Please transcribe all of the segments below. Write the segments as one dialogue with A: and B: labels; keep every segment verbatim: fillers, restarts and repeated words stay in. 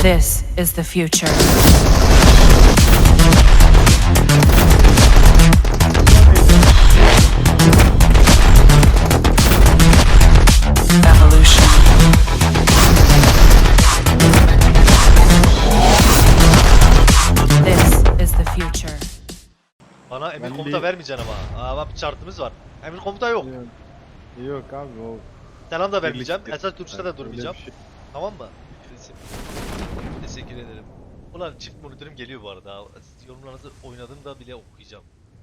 A: This is the future. Evolution. This is the future.
B: Bana emir
C: Ben
B: komuta
C: bir-
B: vermeyeceksin ama. Aa, bir şartımız var. Emir komuta yok.
C: Yok, yok abi o
B: Selam da vermeyeceğim.
C: birlikte-
B: Esas duruşta da
C: öyle bir
B: durmayacağım.
C: şey.
B: Tamam mı? Teşekkür ederim. Ulan çift monitörüm geliyor bu arada. Yorumlarınızı oynadım da bile okuyacağım.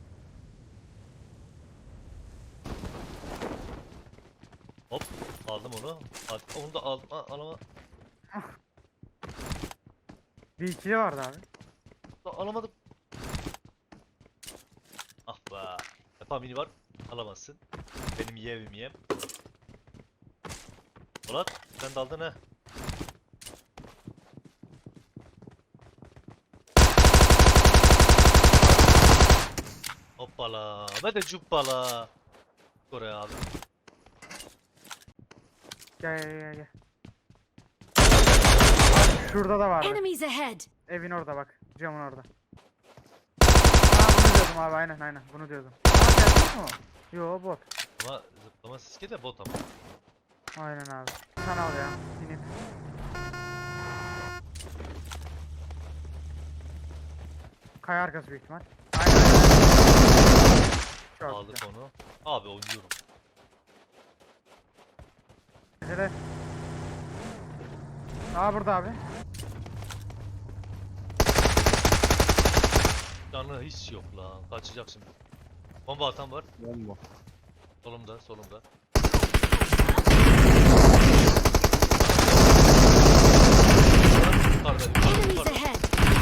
B: Hop aldım onu. Al- Onu da aldım. Aa, alama,
D: Bir ikili vardı abi.
B: da alamadım. Ah be. Defa mini var. Alamazsın. Benim yiyemim yiyem. Polat sen de aldın ha. Hoppala. Ve de cuppala. Oraya abi.
D: Gel gel gel gel. Şurada da vardı.
E: Enemies ahead!
D: Evin orada bak. Camın orada. Ha bunu diyordum abi, aynen aynen bunu diyordum. Aa gerçek mi o? Yo bot.
B: Ama zıplama siske de bot ama.
D: Aynen abi. Sen al ya. Binip. Kaya arkası büyük ihtimal. Aynen. Çok
B: Aldık
D: güzel.
B: onu. Abi oynuyorum.
D: Nerede? Aa burada abi.
B: Canı hiç yok lan. Kaçacak şimdi. Bomba atan var.
C: bomba.
B: Solumda, solumda. Yukarıda, yukarıda,
E: Enemies
B: yukarıda.
E: ahead!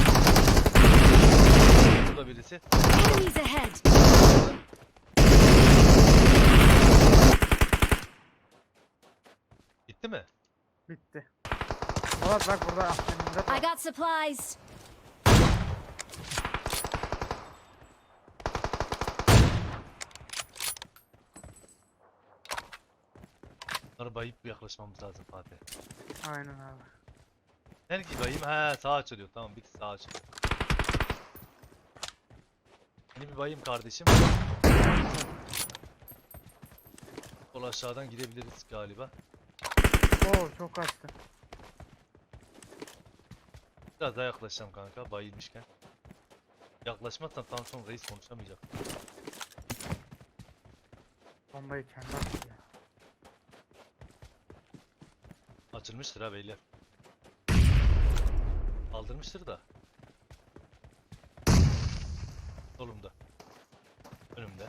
B: Burada birisi.
E: Enemies ahead!
B: Gitti mi?
D: Bitti. Polat bak burada aklımda
E: I
D: var.
E: got supplies!
B: Bunları bayıp yaklaşmamız lazım Fatih.
D: Aynen abi.
B: Nerede bayayım? He sağ açılıyor. Tamam bir sağ açılıyor. Beni bir bayayım kardeşim. Sol aşağıdan gidebiliriz galiba.
D: Oo çok kaçtı.
B: Biraz daha yaklaşacağım kanka bayılmışken. Yaklaşmazsan tam son reis konuşamayacak.
D: Bombayı kendi attı ya.
B: Açılmıştır ha beyler. Aldırmıştır da. Solumda. Önümde.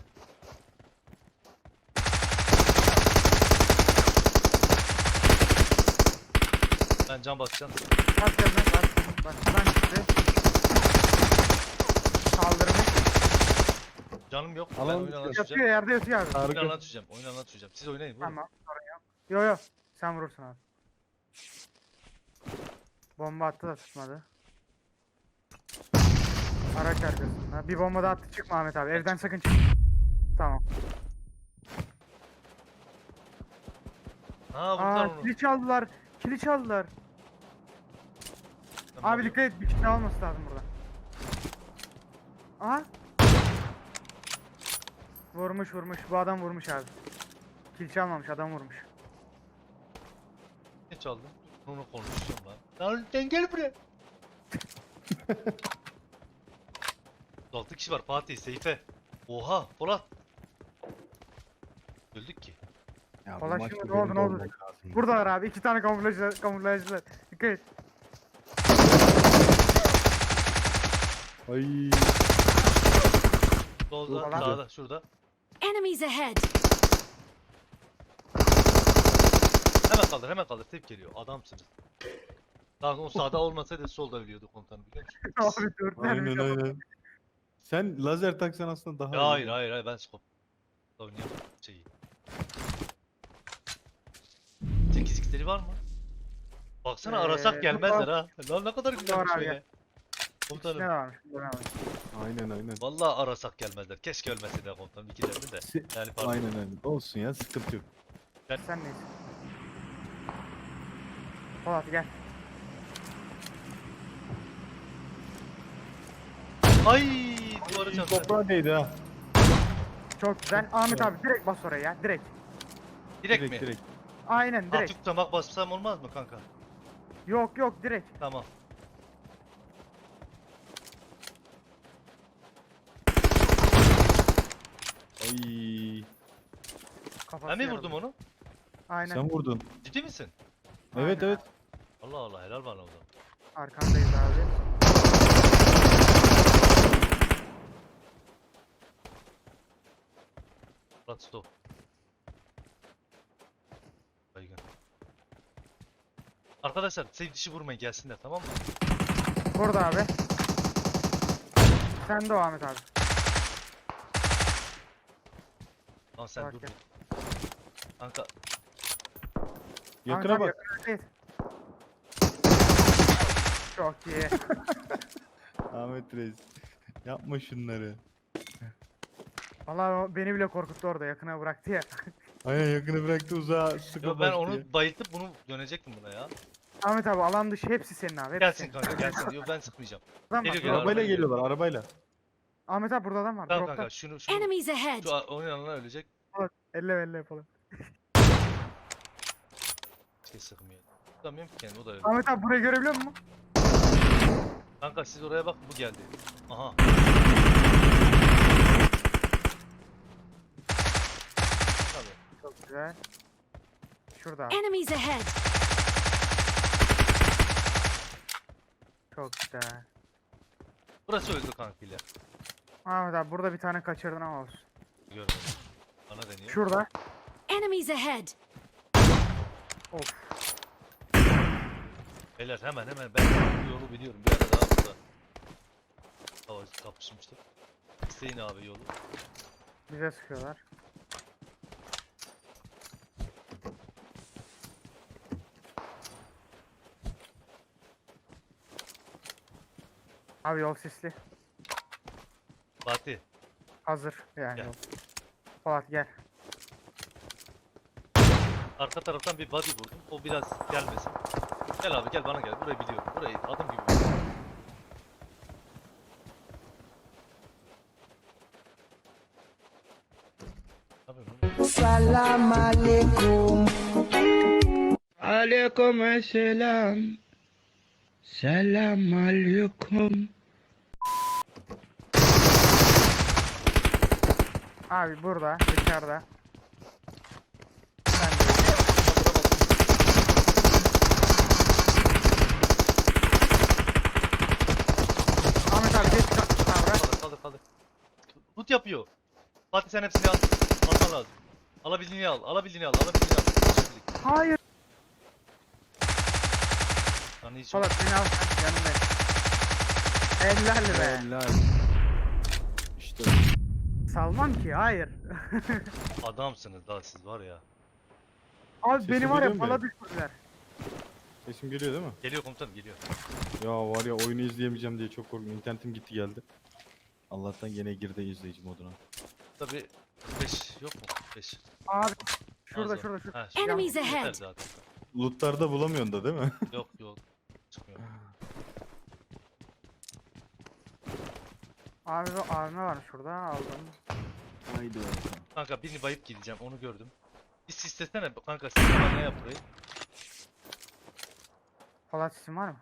B: Ben can basacağım.
D: Bak gelme bak. Bak şuradan çıktı. Kaldırmış.
B: Canım yok. Ben
C: Alan
B: oyunu
C: yatıyor.
D: Yatıyor
B: anlatacağım.
D: yerde yatıyor abi.
B: Oyunu
C: Harika.
B: anlatacağım. Oyunu anlatacağım. Siz oynayın. Vurun.
D: Tamam sorun yok. Yo yo. Sen vurursun abi. Bomba attı da tutmadı. Araç arkasında. Bir bomba da attı, çıkma Ahmet abi. Evden sakın çık. Tamam.
B: Ha vurdular
D: Aa
B: onu.
D: kili çaldılar. Kili çaldılar.
B: Ben
D: Abi
B: bakıyorum.
D: dikkat et, bir kişi daha olması lazım burada. Aha. Vurmuş vurmuş. Bu adam vurmuş abi. Kil çalmamış, adam vurmuş.
B: Ne çaldın? Onu konuşacağım lan. Lan sen gel buraya. altı kişi var Fatih, Seyfe. Oha Polat. Öldük ki.
C: Ya bu
D: Polat
C: maçta
D: şimdi ne
C: benim
D: oldu, ne
C: de
D: oldu?
C: olmak lazım.
D: Buradalar abi. iki tane kamuflajcılar. kamuflajcılar. Dikkat et.
C: Ay.
B: Solda,
D: Polat.
B: sağda, şurada.
E: Enemies ahead!
B: Hemen kaldır, hemen kaldır. Tep geliyor. Adamsınız. Daha o sağda olmasaydı solda ölüyordu komutanım biliyor musun?
D: Abi dört tane
C: Aynen
D: bir kafa-
C: aynen. Sen lazer taksan aslında daha
B: Ya
C: iyi.
B: hayır hayır hayır ben skop. Oynayamam şeyi. sekiz x'leri var mı? Baksana
D: Ee,
B: arasak gelmezler ha. Lan ne kadar güzelmiş
D: Var abi,
B: böyle.
D: gel. İkisine
B: Komutanım.
D: varmış. ne varmış.
C: Aynen aynen.
B: Vallahi arasak gelmezler. Keşke ölmese de komutanım ikilerini de.
C: Se-
B: Yani pardon.
C: Aynen aynen. Olsun ya, sıkıntı yok.
D: Sen neyse. Polat gel.
B: Ay duvara çarptı.
C: Toprağa değdi ha.
D: Çok güzel. Ahmet abi direkt bas oraya ya. Direkt.
B: Direkt, mi?
C: Direkt direkt.
D: Aynen direkt.
B: Hafif tutamak bassam olmaz mı kanka?
D: Yok yok direkt.
B: Tamam.
C: Ay.
D: Kafası
B: Ben mi
D: yarıldı.
B: vurdum onu?
D: Aynen.
C: Sen vurdun.
B: Ciddi misin?
C: Evet
D: Aynen.
C: evet.
B: Allah Allah helal bana o zaman.
D: Arkandayız abi.
B: Murat stop. Baygın. Arkadaşlar sev dişi vurmayın gelsinler tamam mı?
D: Burada abi. Sen de o Ahmet abi.
B: Lan sen
D: Bak
B: dur.
D: ya.
B: bir. Kanka
C: Yakına
D: Ahmet abi,
C: bak.
D: yakına değil. Çok iyi.
C: Ahmet Reis. Yapma şunları.
D: Vallahi o beni bile korkuttu orada yakına bıraktı ya.
C: Aynen yakını bıraktı uzağa sıka
B: yo, ben
C: bastı
B: onu
C: ya.
B: bayıltıp bunu dönecektim buna ya.
D: Ahmet abi alan dışı hepsi senin abi. Hepsi
B: Gelsin
D: senin.
B: kanka gelsin. Yo ben sıkmayacağım.
D: Adam
B: Geliyor,
D: bak,
B: geliyor.
D: drop-
C: Arabayla
B: Arabayla
C: geliyorlar arabayla.
D: Ahmet abi burada adam var.
B: Tamam
D: Dropta.
B: kanka şunu şunu.
E: Enemies ahead!
B: Şu a- onun yanına ölecek.
D: Elle elle yapalım.
B: Şey sıkmıyor. Tutamıyorum ki kendimi o da öyle.
D: Ahmet abi burayı görebiliyor musun?
B: Kanka siz oraya bakın bu geldi. Aha. Tabii.
D: Çok güzel. Şurada abi.
E: Enemies ahead!
D: Çok güzel.
B: Burası öldü kankayla.
D: Ahmet abi burada bir tane kaçırdın ama olsun.
B: Görmedim. Bana deniyor.
D: Şurada.
E: Enemies ahead!
D: Of.
B: Beyler hemen hemen ben bu yolu biliyorum. Bir ara daha burada. Hava kapışmıştık. İsteyin abi yolu.
D: Bize sıkıyorlar. Abi yol sisli.
B: Fatih.
D: Hazır yani
B: Gel.
D: yol. Polat gel.
B: Arka taraftan bir body vurdum. O biraz gelmesin. Gel abi gel bana gel. Burayı biliyorum. Burayı adım gibi biliyorum. Abi, bu-
F: Salam alaikum. Alaikum selam. Selam alaikum.
D: Abi burada dışarıda. Ben de. Ahmet abi geç kalk kavra.
B: Kaldır kaldır kaldır. Loot yapıyor. Fatih sen hepsini al. Alman lazım. Alabildiğini al. Alabildiğini al. Alabildiğini al. Şimdilik.
D: Hayır.
B: Lan hiç
D: Polat beni al sen yanındayım. Helal be.
C: Helal. İşte
D: Salmam ki hayır.
B: adamsınız daha siz var ya.
D: Abi
C: Sesim
D: beni var ya
C: geliyor mu
D: pala
C: benim?
D: düşürdüler.
C: sesim geliyor değil mi?
B: Geliyor komutanım geliyor.
C: Ya var ya oyunu izleyemeyeceğim diye çok korktum. İnternetim gitti geldi. Allah'tan gene girdi izleyici moduna.
B: Tabi beş yok mu? beş.
D: Abi şurada
B: Az var.
D: şurada şurada.
B: Ha, şimdi
E: Enemies
B: yeter
E: ahead!
B: zaten.
C: Lootlarda bulamıyorsun da değil mi?
B: Yok yok. Çıkmıyor.
D: Abi bu A V M var şurada aldım.
C: Haydi bakalım.
B: Kanka birini bayıp gideceğim onu gördüm. Bir sislesene kanka sistem ne yap burayı?
D: Polat isim var mı?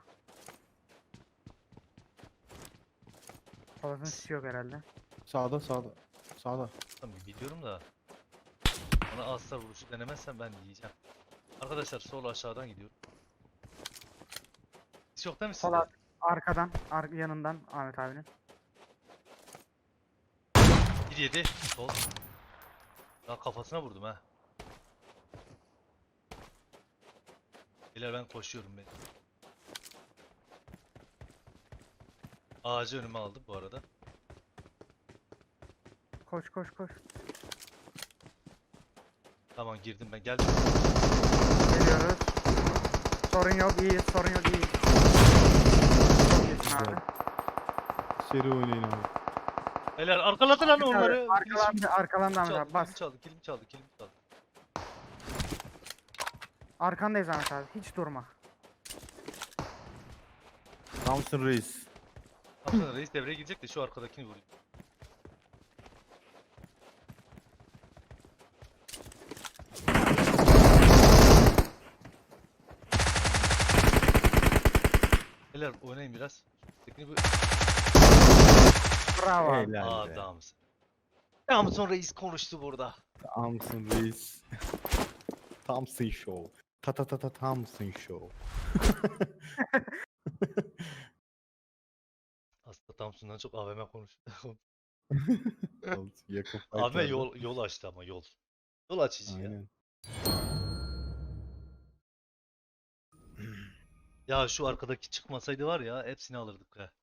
D: Polat'ın sisi yok herhalde.
C: Sağda sağda. Sağda.
B: Tamam biliyorum da. Bana asla vuruşu denemezsen ben yiyeceğim. Arkadaşlar sol aşağıdan gidiyorum. Hiç yok değil mi sizde?
D: Polat arkadan, ar yanından Ahmet abinin.
B: bir yedi. Sol. Daha kafasına vurdum ha. Beyler ben koşuyorum ben. Ağacı önüme aldım bu arada.
D: Koş koş koş.
B: Tamam girdim ben geldim.
D: Geliyoruz. Sorun yok iyiyiz sorun yok iyiyiz. Çok iyisin abi.
C: Güzel. Seri oynayın abi.
B: Beyler arkaladı lan onları.
D: Arkalandı arkalandı Ahmet
B: Çaldı,
D: abi bas.
B: kilimi çaldı, kilimi çaldı, kilimi çaldı.
D: Arkandayız Ahmet abi hiç durma.
C: Thompson Reis.
B: Aslında reis devreye girecek de şu arkadakini vurayım. Beyler oynayın biraz. Tekini bu
D: Bravo abi.
C: Helal be.
B: adamsın. Adamsın reis konuştu burada.
C: Thompson Reis. Thompson Show. Ta ta ta ta Thompson Show.
B: Aslında Thompson'dan çok A V M konuştu.
C: Thompson, Yakın
B: A V M
C: fightlarda.
B: yol yol açtı ama yol. Yol açıcı ya.
C: Aynen.
B: Ya şu arkadaki çıkmasaydı var ya hepsini alırdık ha.